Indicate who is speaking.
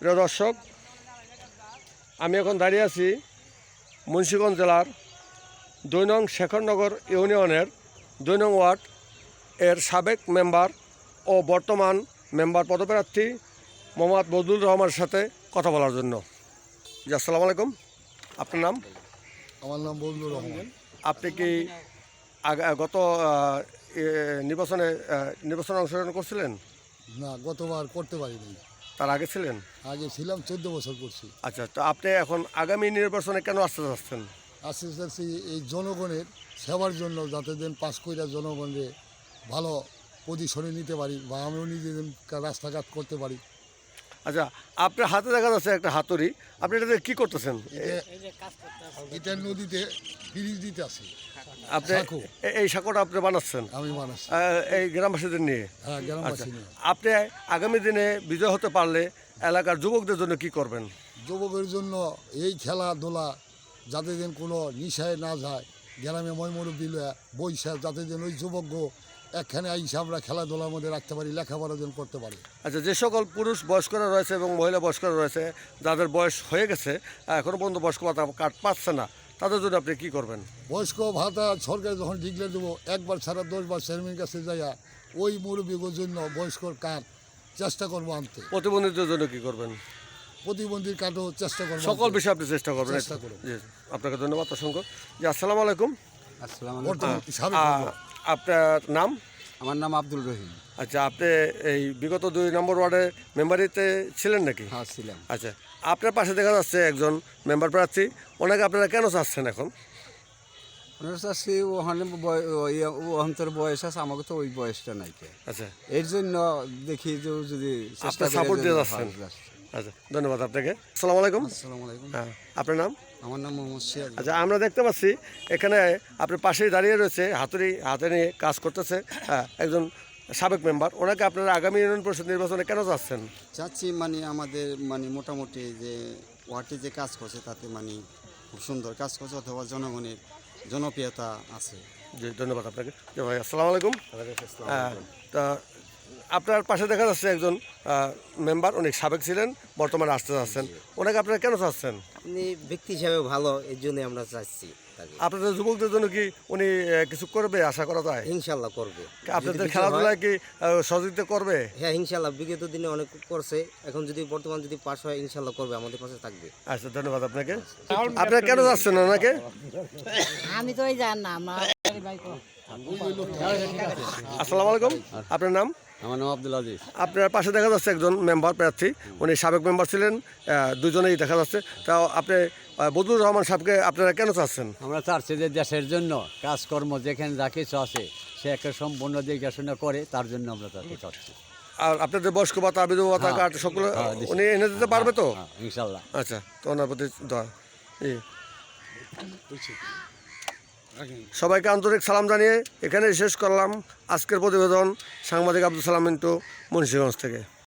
Speaker 1: প্রিয় দর্শক, আমি এখন দাঁড়িয়ে আছি মুন্সিগঞ্জ জেলার ২ নং শেখরনগর ইউনিয়নের ২ নং ওয়ার্ড এর সাবেক মেম্বার ও বর্তমান মেম্বার পদপ্রার্থী মোহাম্মদ বদরুল রহমানের সাথে কথা বলার জন্য। জি, আসসালামু আলাইকুম। আপনার নাম?
Speaker 2: আমার নাম বদরুল রহমান।
Speaker 1: আপনি কি গত নির্বাচনে অংশগ্রহণ করছিলেন?
Speaker 2: না, গতবার করতে পারিনি।
Speaker 1: তার আগে ছিলেন?
Speaker 2: আগে ছিলাম, 14 বছর করছি।
Speaker 1: আচ্ছা, তো আপনি এখন আগামী নির্বাচনে কেন আসতে চাচ্ছেন?
Speaker 2: আস্তে আস্তে এই জনগণের সেবার জন্য, যাতে দিন পাস কইরা জনগণকে ভালো পজিশনে নিতে পারি বা আমিও নিজেদের রাস্তাঘাট করতে পারি।
Speaker 1: আচ্ছা, আপনার হাতে দেখা যাচ্ছে একটা হাতুড়ি, আপনি এটাতে কি করতেছেন?
Speaker 2: এটা নদীতে ব্রিজ দিতে আছে।
Speaker 1: আপনি এই সাঁকোটা আপনি বানাচ্ছেন?
Speaker 2: আমি বানাচ্ছি।
Speaker 1: এই গ্রামবাসীদের নিয়ে?
Speaker 2: হ্যাঁ,
Speaker 1: আচ্ছা,
Speaker 2: গ্রামবাসী নিয়ে।
Speaker 1: আপনি আগামী দিনে বিজয় হতে পারলে এলাকার যুবকদের জন্য কি করবেন?
Speaker 2: যুবকের জন্য এই খেলাধুলা যাতে দিন কোনো নিশায় না যায়, গ্রামে ময়মুরব্বী বৈশাখ যাতে দিন ওই যুবক একখানে আইসা আমরা খেলাধুলার মধ্যে রাখতে পারি, লেখাপড়া যেন করতে পারি।
Speaker 1: আচ্ছা, যে সকল পুরুষ বয়স্করা রয়েছে এবং মহিলা বয়স্করা রয়েছে, যাদের বয়স হয়ে গেছে এখনও পর্যন্ত বয়স্ক ভাতা কার্ড পাচ্ছে না, তাদের জন্য আপনি কী করবেন?
Speaker 2: বয়স্ক ভাতা সরকার যখন ডিক্লেয়ার দেবো, একবার ছাড়া 10 বার চেয়ারম্যানের কাছে যাইয়া ওই মুরব্বীর জন্য বয়স্কর কার্ড চেষ্টা করবো আনতে।
Speaker 1: প্রতিবন্ধীদের জন্য কী করবেন?
Speaker 2: প্রতিবন্ধীর কার্ডও চেষ্টা করবো।
Speaker 1: সকল বিষয়ে আপনি চেষ্টা করবেন?
Speaker 2: চেষ্টা করব।
Speaker 1: জি, আপনাকে ধন্যবাদ অসংখ্য। জি, আসসালামু আলাইকুম। আপনার নাম?
Speaker 3: আমার নাম আব্দুল রহিম।
Speaker 1: আচ্ছা, আপনি এই বিগত 2 নম্বর ওয়ার্ডের মেম্বারিতে ছিলেন নাকি?
Speaker 3: হ্যাঁ, ছিলাম।
Speaker 1: আচ্ছা, আপনার পাশে দেখা যাচ্ছে একজন মেম্বার প্রার্থী, ওনাকে আপনারা কেন চাচ্ছেন এখন?
Speaker 3: ওনার চাচ্ছি ওখানে অন্তর বয়স আছে, আমাকে তো ওই বয়সটা নাই।
Speaker 1: আচ্ছা,
Speaker 3: এর জন্য দেখি যে যদি
Speaker 1: আপনার সাপোর্ট দিয়ে যাচ্ছেন। আচ্ছা, ধন্যবাদ আপনাকে। আসসালামু আলাইকুম।
Speaker 3: আসসালামু আলাইকুম।
Speaker 1: হ্যাঁ, আপনার নাম?
Speaker 3: আমার নাম মোহাম্মদ সিরাজ।
Speaker 1: আচ্ছা, আমরা দেখতে পাচ্ছি এখানে আপনার পাশেই দাঁড়িয়ে রয়েছে, হাতুড়ি হাতে নিয়ে কাজ করতেছে একজন সাবেক মেম্বার। ওনাকে আপনারা আগামী ইউনিয়ন পরিষদ নির্বাচনে কেন চাচ্ছেন?
Speaker 4: চাচ্ছি আমাদের মোটামুটি যে ওয়ার্ডে যে কাজ করছে তাতে খুব সুন্দর কাজ করছে, অথবা জনগণের জনপ্রিয়তা আছে।
Speaker 1: জি, ধন্যবাদ আপনাকে। জি ভাই, আসসালামু আলাইকুম। তা আপনার পাশে দেখা যাচ্ছে একজন মেম্বার, উনি সাবেক ছিলেন, বর্তমানে আসতে চাচ্ছেন। ওনাকে আপনারা কেন চাচ্ছেন?
Speaker 5: আপনি ব্যক্তি হিসাবে ভালো, এর জন্য আমরা চাচ্ছি।
Speaker 1: আপনাদের যুবকদের জন্য কি উনি কিছু করবে আশা করা যায়?
Speaker 5: ইনশাল্লাহ করবে।
Speaker 1: আপনাদের খেলাধুলায় কি সহযোগিতা করবে?
Speaker 5: হ্যাঁ, ইনশাল্লাহ বিগত দিনে অনেক করছে, এখন যদি বর্তমান যদি পাশ হয় ইনশাল্লাহ করবে, আমাদের পাশে থাকবে।
Speaker 1: আচ্ছা, ধন্যবাদ আপনাকে। আপনারা কেন যাচ্ছেন ওনাকে?
Speaker 6: আমি তো জানলাম না।
Speaker 1: আসসালামু আলাইকুম। আপনার নাম?
Speaker 3: আমার নাম আব্দুল আজিজ।
Speaker 1: আপনার পাশে দেখা যাচ্ছে একজন মেম্বার প্রার্থী, উনি সাবেক মেম্বার ছিলেন, দুজনেই দেখা যাচ্ছে। তাও আপনি বদরুল রহমান সাহেবকে আপনারা কেন চাচ্ছেন?
Speaker 3: আমরা চাচ্ছি যে দেশের জন্য কাজকর্ম যেখানে যা কিছু আছে সে একটা সম্পূর্ণ দেখাশোনা করে, তার জন্য আমরা তাকে চাচ্ছি।
Speaker 1: আর আপনাদের বয়স্ক ভাতা, বিধবা ভাতা কার্ড সকলে উনি এনে দিতে পারবে তো?
Speaker 3: ইনশাল্লাহ।
Speaker 1: আচ্ছা, তো ওনার প্রতি দোয়া। সবাইকে আন্তরিক সালাম জানিয়ে এখানে শেষ করলাম আজকের প্রতিবেদন। সাংবাদিক আব্দুল সালাম মিন্টু, মুন্সিগঞ্জ থেকে।